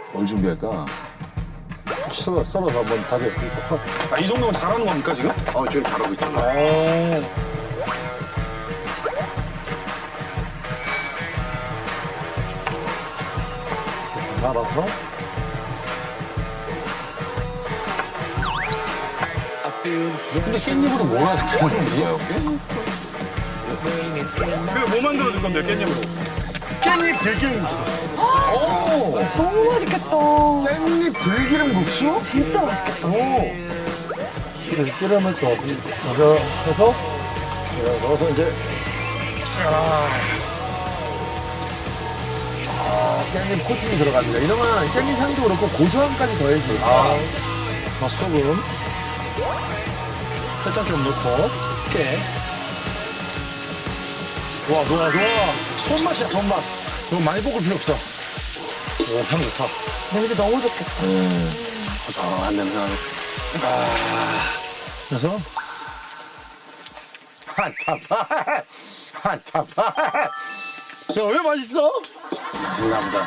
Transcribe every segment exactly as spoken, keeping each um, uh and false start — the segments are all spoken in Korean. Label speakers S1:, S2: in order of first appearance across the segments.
S1: 뭘 준비할까?
S2: 썰어, 썰어서 한번 다져. 이거.
S3: 아, 이 정도면 잘하는 겁니까, 지금?
S4: 어, 지금 잘하고 있잖아.
S3: 오.
S2: 이렇게 날아서.
S1: 근데 깻잎으로 뭘 하는 거지?
S3: 그뭐 만들어줄 건데요, 깻잎으로?
S2: 깻잎 들기름 국수.
S5: 너무 맛있겠다.
S4: 깻잎 들기름 국수?
S5: 진짜 맛있겠다.
S2: 들기름을 좀 이거 해서 이거 넣어서 이제
S4: 아, 깻잎 코팅이 들어갑니다. 이러면 깻잎 향도 그렇고 고소함까지 더해지고. 아,
S2: 맛소금 살짝 좀 넣고 깨. 좋아 좋아 좋아. 손맛이야 손맛. 이거 많이 볶을 필요 없어. 오, 향 좋다.
S5: 냄새 너무 좋겠다.
S1: 고소한 냄새 나네.
S2: 그래서 한 차파 한 차파. 야왜 맛있어?
S1: 맛있나 보다.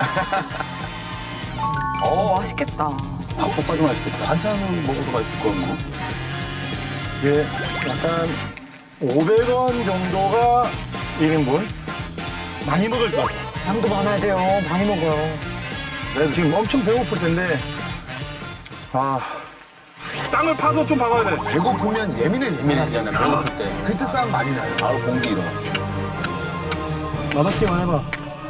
S5: 어, 맛있겠다.
S1: 밥볶아도 맛있겠다. 반찬 먹어도 맛있을 것 같고.
S2: 이게 약간 오백 원 정도가 일 인분 많이 먹을 것 같아.
S5: 양도 많아야 돼요. 많이 먹어요.
S2: 내가 지금 엄청 배고플 텐데 아
S3: 땅을 파서 좀 박아야 돼.
S4: 배고프면 예민해지잖아.
S1: 예민해지잖아요, 배고플 때.
S4: 그때 싸움 많이 나요.
S1: 바로 공기 일어나.
S2: 맛없기만 해봐.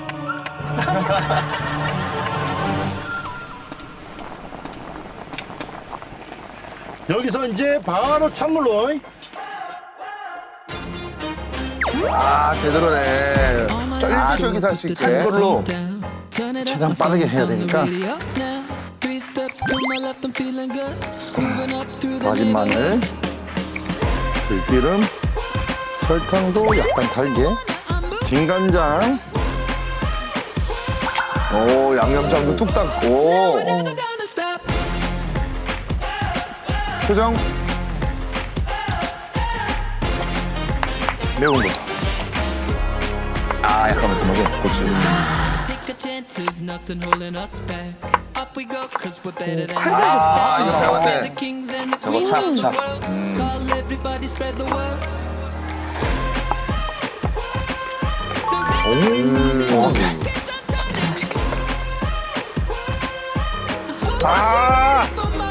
S2: 여기서 이제 바로 찬물로
S4: 아, 제대로네. 쫄깃쫄깃할 수 있게.
S1: 이걸로
S2: 최대한 빠르게 해야 되니까 다진 마늘, 들기름, 설탕도 약간 달게, 진간장,
S4: 오, 양념장도 뚝딱. 오. 표정. 매운 거.
S1: 아, 약간 매콤하게 고추.
S4: 아, 이거 배웠네.
S1: 저거 찹, 찹.
S5: 진짜 맛있겠다.
S2: 아!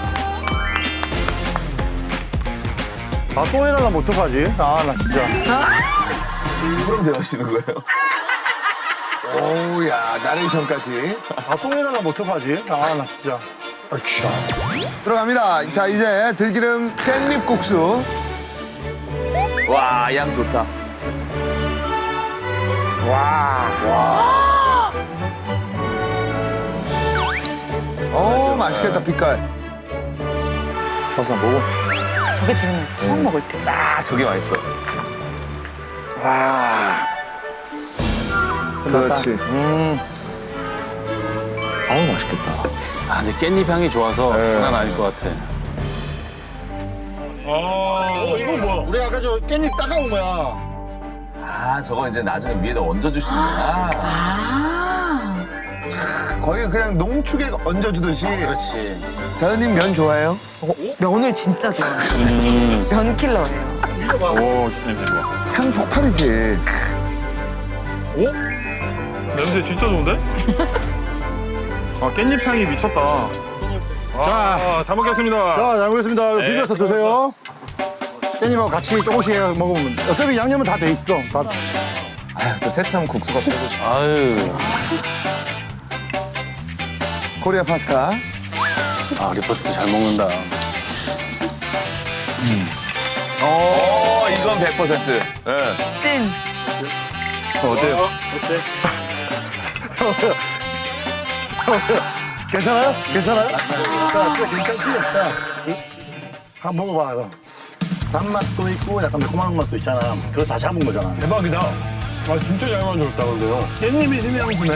S2: 아, 또 해달라면 어떡하지? 아, 나 진짜.
S1: 누구랑 대화하시는 거예요?
S4: 오우, 야, 나레이션까지.
S2: 아, 또 해달라면 어떡하지? 아, 나 진짜. 아차.
S4: 들어갑니다. 자, 이제 들기름 깻잎 국수.
S1: 와, 양 좋다.
S4: 오, 맛있겠다, 빛깔.
S2: 가서 먹어.
S5: 저게 제일 맛있어. 처음 먹을 때.
S1: 아, 저게 맛있어.
S4: 그렇지.
S2: 음,
S1: 아우, 맛있겠다. 아, 근데 깻잎 향이 좋아서 장난 아닐 것 같아.
S3: 어, 이건 뭐야?
S2: 우리 아까 저 깻잎 따가운 거야.
S1: 아, 저거 이제 나중에 위에다 얹어주시는구나.
S5: 아.
S4: 거의 그냥 농축에 얹어주듯이.
S1: 그렇지.
S4: 다현님 면 좋아해요?
S5: 어, 면을 진짜 좋아해요. 면 킬러예요.
S3: 오, 진짜 냄새 좋아.
S4: 향 폭발이지.
S3: 오? 냄새 진짜 좋은데? 아, 깻잎 향이 미쳤다. 자, 잘 먹겠습니다.
S2: 자, 잘 먹겠습니다.
S3: 네,
S2: 비벼서 드세요. 깻잎하고 같이 조금씩 해서 먹으면 어차피 양념은 다 돼 있어. 다.
S1: 아유, 또 새참 국수가 최고. 아유.
S4: 코리아 파스타.
S1: 아, 리포트도 잘 먹는다.
S4: 오,
S1: 어, 이건 백 퍼센트. 예.
S5: 찐.
S2: 어때요? 괜찮아요? 괜찮아요? 자, 진짜 괜찮지? 자, 한번 먹어봐. 이거. 단맛도 있고 약간 매콤한 맛도 있잖아. 그거 다 잡은 거잖아.
S3: 대박이다. 아, 진짜 잘 만들었다, 근데요. 깻잎이 신의 향수네.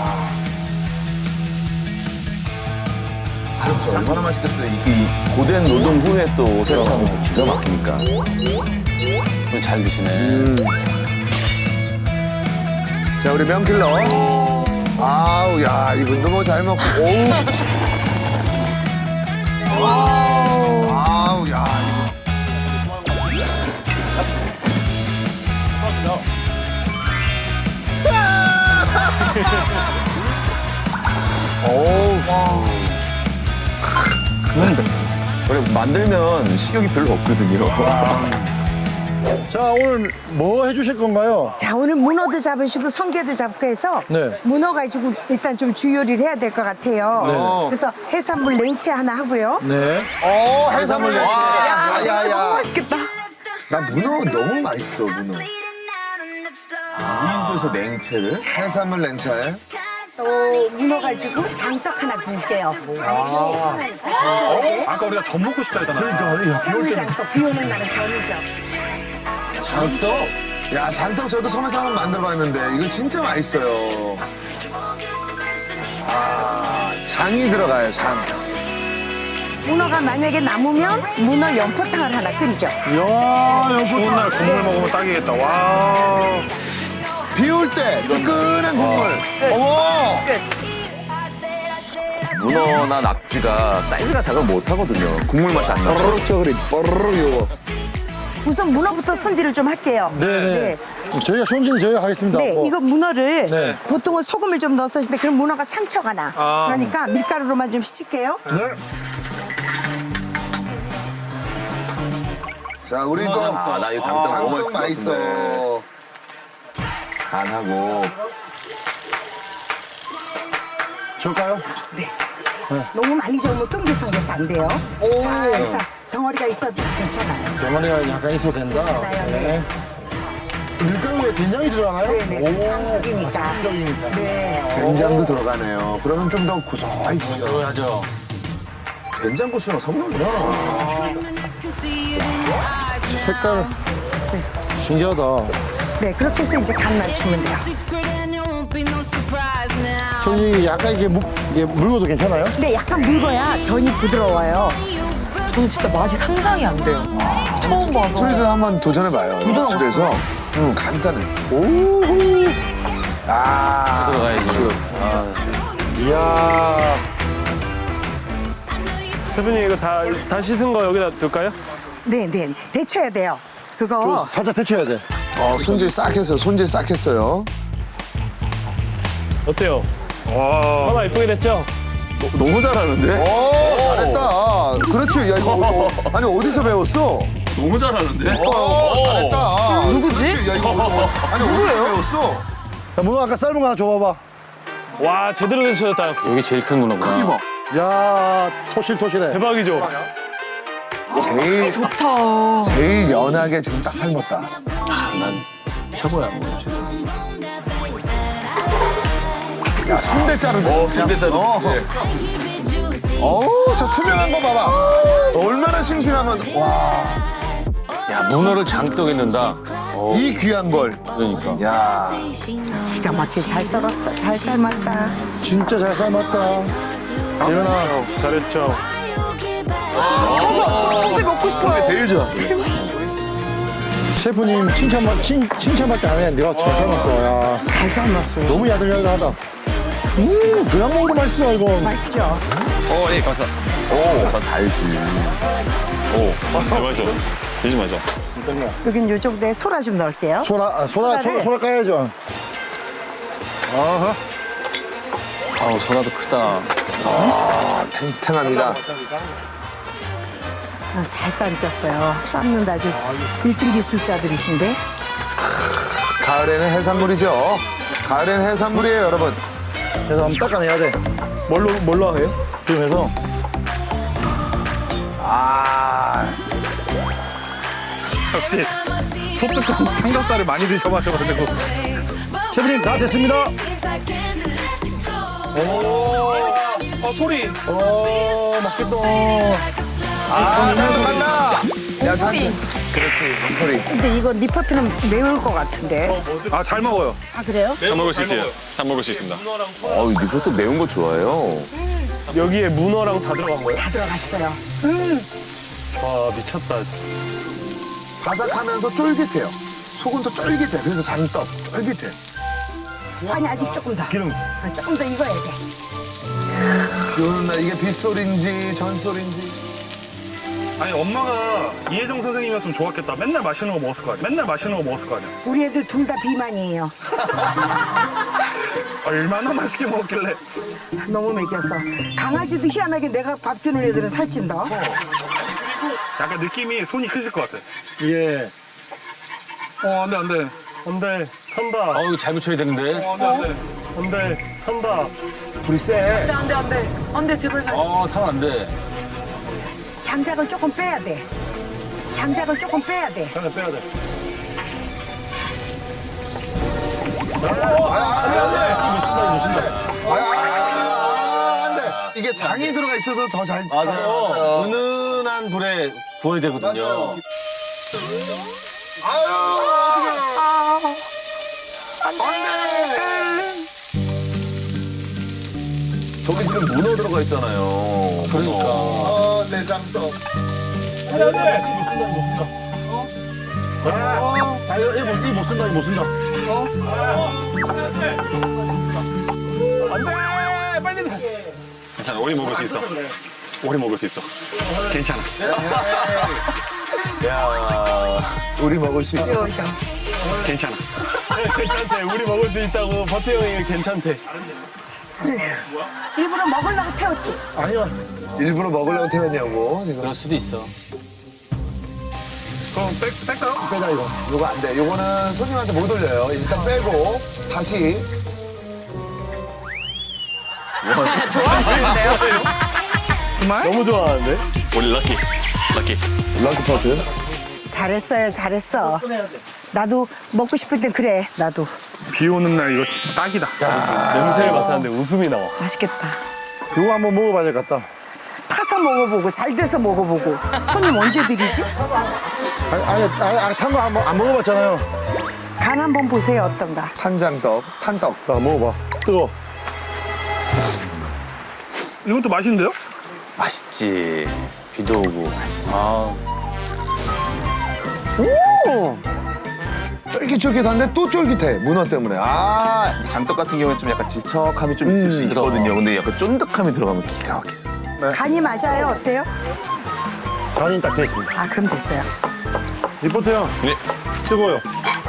S1: 진짜 얼마나 맛있겠어요. 이 고된 노동 후에 또 새참이 또 기가 막히니까. 그건 잘 드시네.
S4: 자, 우리 면킬러. 아우, 야, 이분도 뭐 잘 먹고. 오우. 아우, 야, 이거. 오우.
S1: 원래 만들면 식욕이 별로 없거든요.
S2: 자, 오늘 뭐 해주실 건가요?
S6: 자, 오늘 문어도 잡으시고 성게도 잡고 해서
S2: 네.
S6: 문어 가지고 일단 좀 주요리를 해야 될 것 같아요.
S2: 네.
S6: 그래서 해산물 냉채 하나 하고요.
S2: 네.
S4: 어, 해산물 냉채. 야, 야, 야.
S5: 맛있겠다.
S4: 나 문어 너무 맛있어, 문어.
S1: 무인도에서 냉채를?
S4: 해산물 냉채.
S6: 또 문어 가지고 장떡 하나 구울게요.
S3: 아까 우리가 전 먹고 싶다 했잖아.
S2: 그러니까,
S6: 해물장떡 비 오는 날은 전이죠.
S1: 장떡?
S4: 야, 장떡 저도 섬에서 한번 만들어봤는데 이거 진짜 맛있어요. 아, 장이 들어가요, 장.
S6: 문어가 만약에 남으면 문어 연포탕을 하나 끓이죠.
S2: 이야, 여기
S3: 추운 날 국물 먹으면 딱이겠다. 와.
S4: 비 올 때 뜨끈한 국물. 어머!
S1: 문어나 낙지가 사이즈가 작으면 못 하거든요. 국물 맛이 안 나서.
S4: 뽀로록 저그리, 뽀로록 요거.
S6: 우선 문어부터 손질을 좀 할게요.
S2: 네네. 저희가 손질은 저희가 하겠습니다.
S6: 네,
S2: 뭐.
S6: 이거 문어를
S2: 네.
S6: 보통은 소금을 좀 넣어서 하시는데 그럼 문어가 상처가 나.
S3: 아.
S6: 그러니까 밀가루로만 좀 씻을게요.
S2: 네.
S4: 자, 우리 또
S1: 아, 나 이거 장떡 너무
S4: 장떡
S1: 맛있을 것 같은데.
S4: 맛있어.
S1: 간하고.
S2: 줄까요?
S6: 네. 너무 많이 저으면 끈기성돼서 안 돼요. 살살 덩어리가 있어도 괜찮아요.
S2: 병아리가 약간 있어도 된다.
S6: 괜찮아요, 네.
S2: 밀가루에 된장이 들어가나요?
S6: 네네, 장떡이니까.
S2: 장떡이니까.
S6: 네.
S4: 된장도 들어가네요. 그러면 좀 더 구수해지죠.
S1: 하죠. 된장고추랑 섞는구나.
S2: 색깔 신기하다.
S6: 네, 그렇게 해서 이제 간 맞추면 돼요.
S2: 저기 약간 이게, 무, 이게 물고도 괜찮아요?
S6: 근데 약간 묽어야 전이 부드러워요.
S5: 저는 진짜 맛이 상상이 안 돼요. 처음 봐서.
S4: 소리도 한번 도전해봐요.
S5: 도전하고
S4: 집에서. 응, 간단해. 오. 아.
S1: 들어가야지.
S2: 이야.
S3: 셰프님 이거 다, 다 씻은 거 여기다 둘까요?
S6: 네, 네. 데쳐야 돼요. 그거
S2: 살짝 데쳐야 돼.
S4: 어, 손질 싹 했어요. 손질 싹 했어요.
S3: 어때요? 와. 하나 이쁘게 됐죠?
S1: 너무 잘하는데?
S4: 오, 잘했다. 그렇지. 야, 이거, 어, 아니, 어디서 배웠어?
S1: 너무 잘하는데?
S4: 어, 잘했다.
S5: 누구지?
S4: 그렇지. 야, 이거, 어, 아니, 어디서 배웠어?
S2: 야, 문어 아까 삶은 거 하나 줘봐봐.
S3: 와, 제대로 되셨다.
S1: 여기 제일 큰 문어구나. 크기 봐.
S2: 야, 토실토실해.
S3: 대박이죠?
S4: 제일,
S5: 좋다.
S4: 제일 연하게 지금 딱 삶았다.
S1: 난 최고야.
S4: 야, 순대 자르네.
S1: 어, 순대 자르.
S4: 어.
S1: 네.
S4: 어우, 저 투명한 거 봐봐. 얼마나 싱싱하면, 와,
S1: 야, 문어를 장떡에 넣는다.
S4: 이 귀한 걸.
S1: 그러니까.
S4: 야,
S6: 기가 막히게 잘 썰었다. 잘 삶았다.
S2: 진짜 잘 삶았다. 예은아,
S3: 잘했죠?
S5: 청비 먹고 싶어요.
S1: 제일 좋아.
S2: 셰프님 칭찬만, 칭, 칭찬밖에 안 해. 내가 잘 삶았어. 야,
S6: 잘 삶았어요.
S2: 너무 야들야들하다. 음, 그냥 먹어도 맛있어, 이거.
S6: 맛있죠?
S1: 어, 예, 감사. 오, 저 달지. 오, 대박이죠. 되게 맛있어.
S6: 여긴 요 정도에 소라 좀 넣을게요.
S2: 소라, 아, 소라, 소라,
S6: 소라를-
S2: 소라 까야죠.
S1: 아우, 소라도 크다.
S4: 탱탱합니다.
S6: 아, 잘 삶겼어요. 삶는다 아주 일 등 기술자들이신데.
S4: 가을에는 해산물이죠. 가을에는 해산물이에요, 여러분.
S2: 그래서 한번 닦아내야 돼. 뭘로, 뭘로 해요? 지금 해서.
S4: 아,
S3: 역시 소뚜껑 삼겹살을 많이 드셔봐셔가지고.
S2: 셰프님, 다 됐습니다.
S3: 어, 소리.
S2: 어, 맛있겠다.
S4: 아, 잔뜩 간다. 야, 잔뜩. 그렇지, 소리.
S6: 근데 이거 니퍼트는 매울 것 같은데.
S3: 아, 잘 먹어요.
S6: 아, 그래요?
S7: 다 먹을 수 있어요. 다 먹을 수 있습니다.
S1: 어우, 이것도 매운 거 좋아해요.
S3: 여기에 문어랑 다 들어간 거예요?
S6: 다 들어갔어요.
S3: 와, 미쳤다.
S4: 바삭하면서 쫄깃해요. 속은 또 쫄깃해. 그래서 장떡, 쫄깃해.
S6: 아니 아직 조금 더.
S2: 기름.
S6: 아, 조금 더 익어야 돼.
S4: 비 오는 날 이게 빗소리인지 전소리인지.
S3: 아니 엄마가 이혜정 선생님이었으면 좋았겠다. 맨날 맛있는 거 먹었을 거 아니야. 맨날 맛있는 거 먹었을 거 아니야.
S6: 우리 애들 둘 다 비만이에요.
S3: 얼마나 맛있게 먹었길래.
S6: 너무 먹였어. 강아지도 희한하게 내가 밥 주는 애들은 살찐다.
S3: 약간 느낌이 손이 크실 것 같아.
S2: 예.
S3: 어 안돼 안돼.
S8: 안돼 탄다.
S1: 아 이거 잘 묻혀야 되는데.
S3: 어 안돼 안돼.
S8: 안돼 탄다.
S2: 불이 세.
S5: 안돼 안돼 안돼 제발 살.
S1: 아 타면 안 돼.
S6: 장작을 조금 빼야 돼. 장작을 조금 빼야 돼.
S3: 하나 빼야 돼.
S4: 아, 안 돼. 이게 장이 들어가 있어서 더 잘.
S1: 맞아요. 맞아요. 은은한 불에 구워야 되거든요.
S4: 맞아요. 아유,
S1: 저기 지금 문어 들어가 있잖아요. 그러니까.
S4: 어, 내장떡.
S2: 아, 이거 못, 이거 못 쓴다, 이거 못 쓴다.
S7: 괜찮아. 오리 먹을 수 있어. 오리 먹을 수 있어. 괜찮아.
S1: 야.
S4: 우리 먹을 수 있어.
S5: 오셔.
S7: 괜찮아.
S8: 괜찮대. 우리 먹을 수 있다고 버티 형이 괜찮대.
S6: 일부러 먹으려고 태웠지.
S2: 아니요.
S4: 일부러 먹으려고 태웠냐고, 지금.
S1: 그럴 수도 있어.
S3: 그럼 뺄 뺄까요?
S2: 빼자, 이거.
S4: 요거 안 돼. 요거는 손님한테 못 올려요. 일단 빼고, 다시.
S5: 좋아하시는데요?
S8: 너무 좋아하는데?
S7: 우리 럭키. 럭키.
S4: 럭키 퍼트.
S6: 잘했어요, 잘했어. 나도 먹고 싶을 땐 그래, 나도.
S3: 비 오는 날 이거 진짜 딱이다.
S8: 냄새를 맡았는데 웃음이 나와.
S5: 맛있겠다.
S2: 이거 한번 먹어봐야 될 것 같다.
S6: 타서 먹어보고, 잘 돼서 먹어보고. 손님 언제 드리지?
S2: 아니, 아니, 아니, 아니 탄 거 안 먹어봤잖아요.
S6: 간 한번 보세요, 어떤가.
S4: 탄장떡, 탄떡.
S2: 자, 먹어봐. 뜨거.
S3: 이건 또 맛있는데요?
S1: 맛있지. 비도 오고. 아.
S4: 쫄깃쫄깃한데 또 쫄깃해. 문어 때문에. 아,
S1: 장떡 같은 경우는 좀 약간 질척함이 좀 있을 수 있거든요. 근데 약간 쫀득함이 들어가면 기가 막히죠.
S6: 간이 맞아요, 어때요?
S2: 간이 딱 됐습니다.
S6: 아, 그럼 됐어요.
S2: 리포트 형.
S7: 네.
S2: 뜨거워요.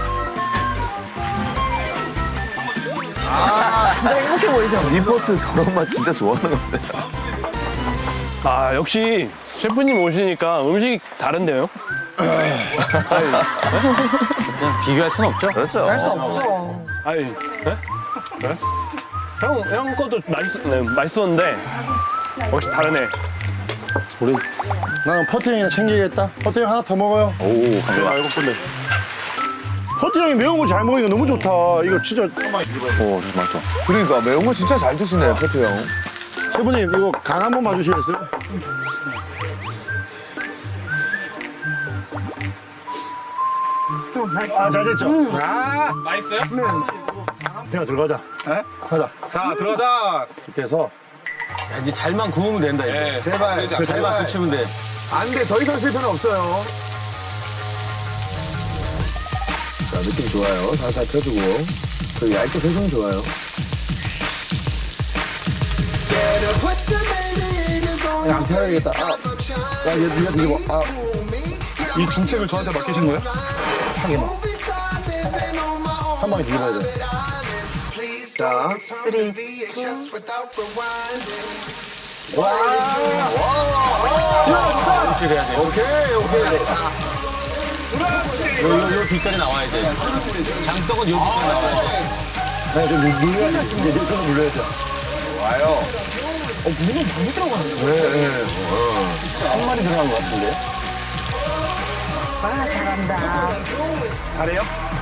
S5: 진짜 행복해 보이셔.
S1: 리포트 저런 맛 진짜 좋아하는 것 같아요.
S8: 아 역시 셰프님 오시니까 음식이 다른데요?
S1: 그냥 비교할 순 없죠? 그렇죠.
S5: 할 수 없죠.
S8: 아니, 네? 네? 형, 형 것도 맛있, 네, 맛있었는데 역시 다르네.
S2: 우리, 나는 퍼트 형이나 챙기겠다. 퍼트 형 하나 더 먹어요.
S1: 오,
S2: 내가
S1: 감사합니다.
S2: 알고 싶은데. 퍼트 형이 매운 거 잘 먹으니까 너무 좋다. 이거 진짜.
S1: 오, 맛있어.
S4: 그러니까 매운 거 진짜 잘 드시네, 퍼트 형.
S2: 셰프님, 이거 간 한 번 봐주시겠어요?
S6: 좀 맛있어.
S2: 아, 잘 됐죠?
S3: 아 맛있어요?
S2: 내가 들어가자.
S3: 네?
S2: 가자.
S3: 자 들어가자.
S2: 이렇게 해서.
S1: 야, 이제 잘만 구우면 된다, 이제.
S3: 네.
S4: 제발,
S1: 잘만
S4: 제발.
S1: 붙이면 돼.
S4: 안 돼, 더 이상 실패는 없어요. 자, 느낌 좋아요. 살살 펴주고. 그 얇게 표정 좋아요. 야, 안 펴야겠다. 아, 야, 얘 네가 뒤집어. 아,
S3: 이 중책을 저한테 맡기신 거예요?
S2: 한 방에 뒤집어야 돼.
S4: 자.
S1: 이렇게 돼야 돼.
S4: 오케이, 오케이.
S1: 요, 요, 요 빛깔이 나와야 돼. 장떡은 요 빛깔이 나와야 돼.
S2: 네, 좀 눌- 눌러야 돼. 내 손으로 눌러야 돼.
S4: 와요.
S1: 한 마리 들어간 것 같은데?
S6: 아, 잘한다.
S3: 잘해요?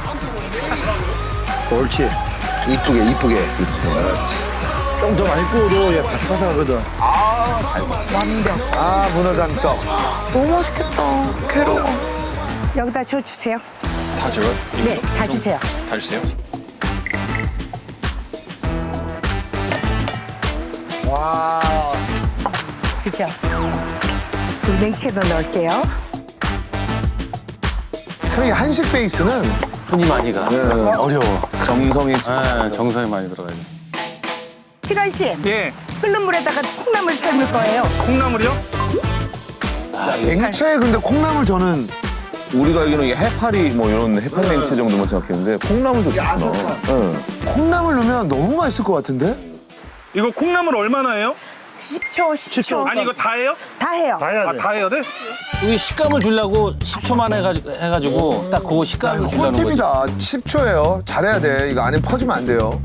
S2: 옳지.
S4: 이쁘게, 이쁘게.
S1: 그렇지.
S2: 좀 더 많이 구워도 얘 바삭바삭하거든.
S5: 완벽.
S4: 아, 문어장떡.
S5: 너무 맛있겠다. 괴로워.
S6: 여기다 저 주세요.
S7: 다 줘요?
S6: 네, 다 주세요.
S7: 다 주세요.
S6: 그죠? 그리고 냉채도 넣을게요.
S4: 참, 이 한식 베이스는
S1: 손이 많이 가. 어려워. 정성이 진짜.
S7: 네, 정성이 많이 들어가요.
S6: 희관 씨,
S3: 예.
S6: 끓는 물에다가 콩나물 삶을 거예요.
S3: 콩나물이요?
S4: 냉채에 근데 콩나물 저는
S1: 우리가 알기로는 이게 해파리 뭐 이런 해파리 냉채 정도만 생각했는데 콩나물도 좋구나.
S4: 야삭한.
S1: 응.
S4: 콩나물 넣으면 너무 맛있을 것 같은데?
S3: 이거 콩나물 얼마나 해요?
S6: 십 초, 십 초.
S3: 아니 이거 다 해요?
S6: 다 해요.
S2: 다 해야
S3: 아
S2: 돼.
S3: 다 해야 돼?
S9: 여기 식감을 주려고 십 초만 해가지고, 해가지고 딱 그거 식감을 주려는 거지.
S4: 꿀팁이다. 십 초예요. 잘해야 돼. 이거 안에 퍼지면 안 돼요.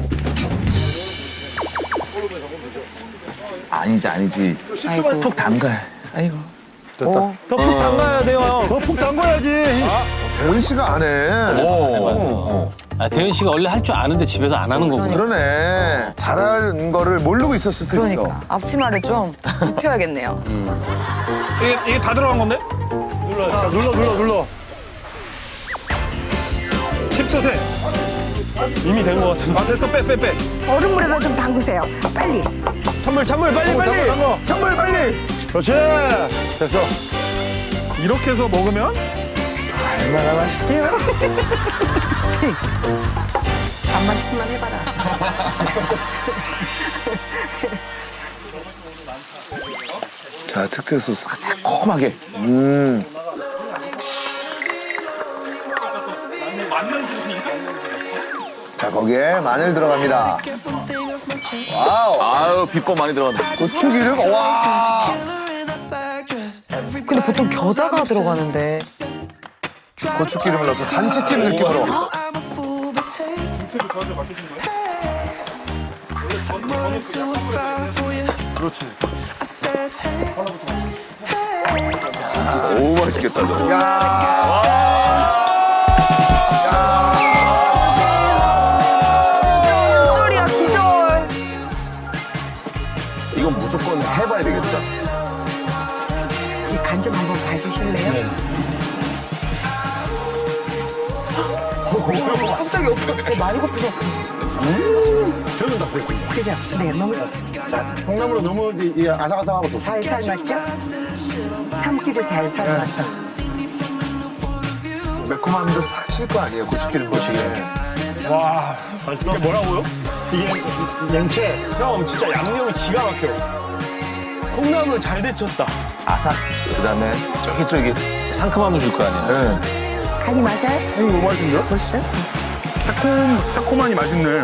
S1: 아니지 아니지. 푹 담가. 아이고.
S4: 어?
S8: 더푹 담가야 돼요, 형.
S2: 푹 담궈야지.
S4: 대은 씨가 안 해.
S1: 오.
S9: 아, 대현 씨가 원래 할 줄 아는데 집에서 안 하는 거구나.
S4: 그러네. 잘하는 거를 모르고 있었을 수도 있어.
S5: 그러니까 앞치마를 좀 입혀야겠네요.
S3: 이게 이게 다 들어간 건데?
S2: 눌러, 눌러, 눌러.
S3: 십 초 세.
S8: 이미 된 것 같은데.
S3: 아 됐어 빼 빼 빼.
S6: 얼음물에다 좀 담그세요. 빨리.
S8: 찬물, 찬물, 빨리, 빨리.
S2: 담궈.
S8: 찬물, 빨리.
S2: 그렇지. 됐어.
S3: 이렇게 해서 먹으면
S8: 얼마나 맛있게요?
S6: 안 맛있기만 해봐라.
S4: 자, 특제 소스.
S1: 새콤하게.
S4: 음. 자, 거기에 마늘 들어갑니다. 와우.
S1: 아유 비법 많이 들어간다.
S4: 고추기름. 와.
S5: 근데 보통 겨자가 들어가는데.
S4: 고추기름을 넣어서 잔치찜 느낌으로.
S1: 오 맛있겠다 저거.
S5: 기절이야 기절.
S1: 이건 무조건 해봐야 되겠다.
S6: 이 간 좀 한번 봐주실래요?
S5: 갑자기 오빠 많이 고프죠?
S2: 저는 다 됐습니다.
S6: 그죠? 네, 너무
S2: 콩나물은 너무 이, 이 아삭아삭하고 좋습니다.
S6: 잘 삶았죠? 삼키를 잘 삶았어.
S4: 매콤함도 싹 칠 거 아니에요, 고추기름 보시게.
S8: 와,
S2: 맛있어?
S8: 이게 뭐라고요?
S2: 이게 냉채.
S8: 형, 진짜 양념이 기가 막혀. 콩나물 잘 데쳤다.
S1: 아삭. 그다음에 쫄깃쫄깃.
S9: 상큼함을 줄 거 아니야.
S1: 네.
S6: 간이 맞아요?
S3: 이거 너무 맛있는데요?
S6: 벌써요?
S3: 새콤 새콤하니 맛있네.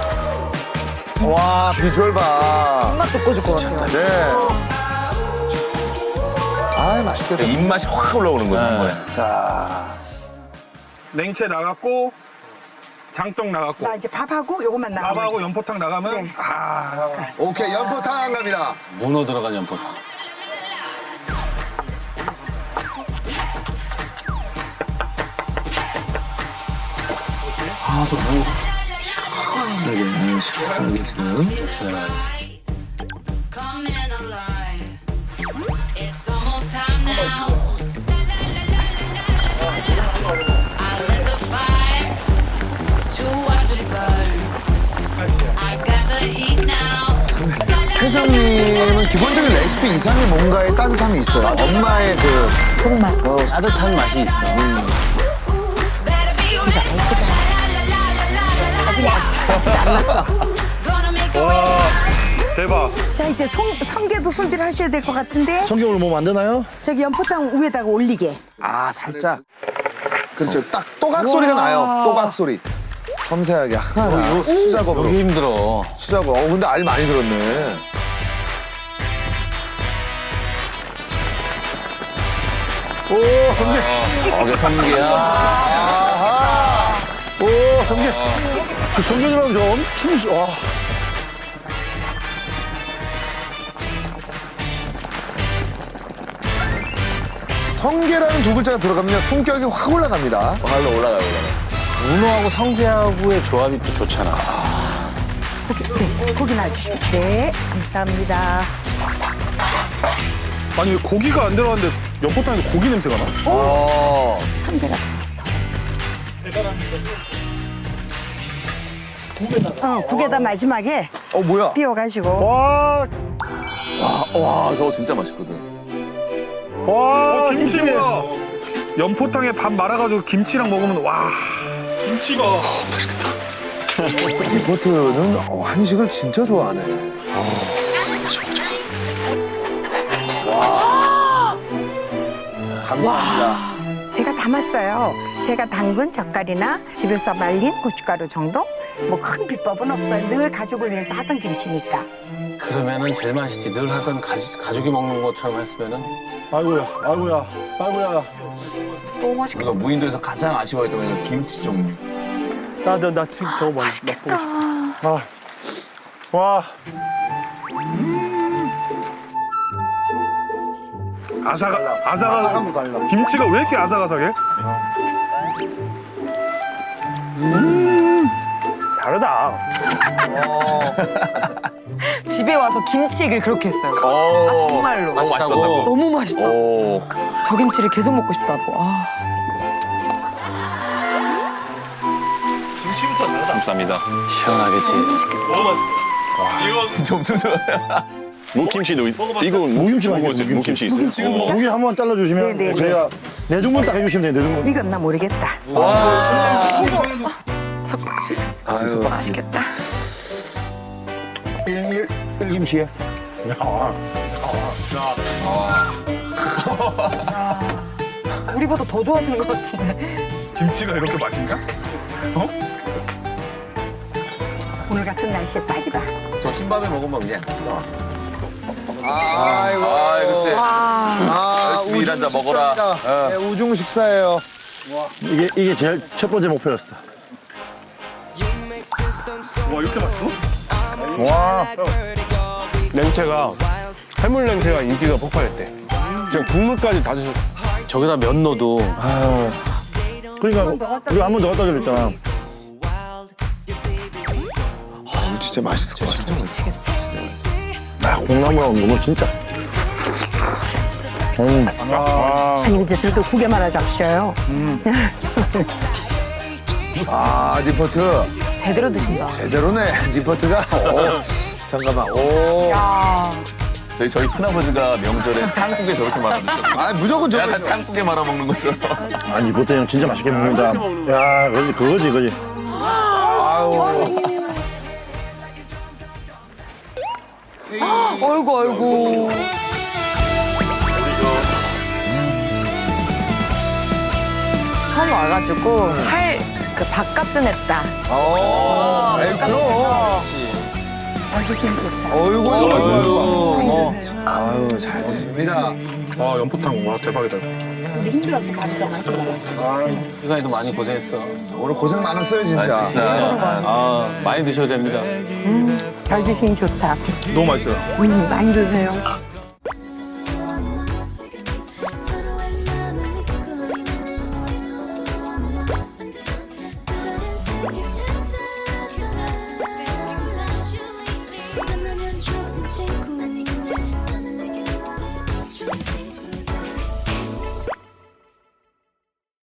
S4: 와, 비주얼 봐.
S5: 입맛 돋궈줄 것 같아요.
S4: 네. 아, 맛있겠다.
S1: 입맛이 확 올라오는 거죠. 한 번에.
S4: 자,
S3: 냉채 나갔고 장떡 나갔고
S6: 나 이제 밥하고 요것만 나가면
S3: 밥하고 연포탕 나가면
S6: 네.
S3: 아
S4: 오케이, 연포탕 갑니다.
S9: 문어 들어간 연포탕.
S4: 아, 저 뭐. 시원하게, 시원하게 지금.
S10: Coming alive. It's almost time now. I lit the fire to watch it burn. I got the heat now.
S4: 회장님은 기본적인 레시피 이상의 뭔가의 따뜻함이 있어요. 엄마의 그
S5: 손맛.
S4: 어,
S9: 따뜻한 맛이 있어.
S10: Better be ready.
S6: 아직 안 났어.
S10: Gonna make a
S3: 와 대박.
S6: 자, 이제 성, 성게도 손질하셔야 될 것 같은데
S2: 성경으로 뭐 만드나요?
S6: 저기 연포탕 위에다가 올리게.
S1: 아 살짝.
S4: 그렇죠. 딱 또각 소리가 나요. 또각 소리. 섬세하게 하나하나 수작업으로.
S9: 여기 힘들어.
S4: 수작업. 어, 근데 알 많이 들었네.
S2: 오, 성게.
S1: 저게 성게야.
S4: 아하.
S2: 오, 성게. 저 성게 들어가면 저 엄청, 시- 와.
S4: 성게라는 두 글자가 들어가면 품격이 확 올라갑니다.
S1: 발로 올라가요 올라가.
S9: 문어하고 성게하고의 조합이 또 좋잖아.
S6: 고기, 네, 고기 놔주시면. 네, 감사합니다.
S3: 아니 왜 고기가 안 들어갔는데 연포탕에서 고기 냄새가 나?
S4: 어.
S6: 삼계가 들어갔어. 어, 국에다 마지막에
S4: 어, 뭐야?
S6: 띄워가지고.
S2: 와,
S1: 와 저거 진짜 맛있거든.
S2: 와.
S3: 어, 김치가 연포탕에 밥 말아가지고 김치랑 먹으면 와 김치가
S4: 리포트는 어, 한식을 진짜 좋아하네. 와. 감사합니다.
S6: 제가 담았어요. 제가 담근 젓갈이나 집에서 말린 고춧가루 정도? 뭐 큰 비법은 없어요. 늘 가족을 위해서 하던 김치니까.
S9: 그러면은 제일 맛있지. 늘 하던 가족, 가족이 먹는 것처럼 했으면은.
S2: 아이고야, 아이고야, 아이고야.
S5: 너무 맛있겠다.
S1: 우리가 무인도에서 가장 아쉬워했던 건 김치 종류.
S8: 나, 나, 나 지금 저거 먹, 맛보고 싶어.
S2: 아, 와.
S3: 아삭아, 아삭아삭.
S2: 아삭함도 달라.
S3: 김치가 왜 이렇게 아삭아삭해?
S8: 다르다.
S5: 집에 와서 김치 얘기를 그렇게 했어요.
S1: 오,
S5: 아, 정말로.
S1: 너무 맛있었다고.
S5: 너무 맛있다.
S1: 오.
S5: 저 김치를 계속 먹고 싶다고. 아.
S7: 감사합니다.
S9: 시원하겠지.
S1: 점점 좋아요.
S7: 무김치도 있- 이거
S2: 무김치
S7: 먹어보세요.
S2: 맛있어요,
S7: 무김치 있어요.
S2: 고기 한 번 잘라주시면
S6: 네, 네,
S2: 제가 네 등분 딱 해주시면 돼요, 네 등분.
S6: 익었나 모르겠다.
S5: 석박지.
S4: 아유,
S5: 맛있겠다.
S2: 일, 일 김치에.
S5: 우리보다 더 좋아하시는 것 같은데.
S3: 김치가 이렇게 맛있나? 어?
S6: 오늘 같은 날씨에 딱이다.
S1: 저 흰밥에 먹으면 그냥.
S4: 아이고.
S1: 아, 글쎄.
S4: 아,
S1: 열심히 일한 자
S4: 우중
S1: 먹어라.
S4: 식사입니다.
S1: 어.
S4: 네, 우중 식사예요.
S2: 이게, 이게 제일 첫 번째 목표였어.
S3: 와, 이렇게 맛있어?
S2: 와.
S8: 냉채가, 해물 냉채가 인기가 폭발했대. 지금 국물까지 다 드셨.
S9: 저기다 면 넣어도.
S2: 그러니까 우리 한 번 더 갖다 드렸잖아.
S4: 어, 진짜 맛있을 것 같아.
S2: 아, 콩나물하고 너무 진짜.
S6: 아니 이제 저도 국에 말아 잡셔요.
S4: 아, 리포트.
S5: 제대로 드신다.
S4: 제대로네, 리포트가. 오, 잠깐만. 오.
S1: 저희 저희 큰아버지가 명절에 탕국에 저렇게 말아드셨어요.
S4: 아, 무조건 저거.
S1: 약간 탕국에 말아 먹는 것처럼.
S2: 아니, 보태 형 진짜 맛있게 먹는다. 야, 그거지, 그거지, 그거지.
S4: 아유.
S5: 어이구, 어이구. 처음 와가지고 할 그 밥값은 했다.
S4: 어, 에이, 그럼.
S6: 얼굴 괜찮다.
S4: 어이구, 어이구, 어이구. 아유, 잘 드십니다.
S3: 와, 연포탕. 와, 대박이다.
S6: 우리 힘들어서 밥이 더 맛있어.
S9: 이간이도 많이 고생했어.
S4: 오늘 고생 많았어요, 진짜.
S1: 아, 진짜.
S9: 아, 많이 드셔야 됩니다.
S6: 잘 드시니 좋다.
S3: 너무 맛있어요.
S6: 음, 많이 드세요.
S10: 찾아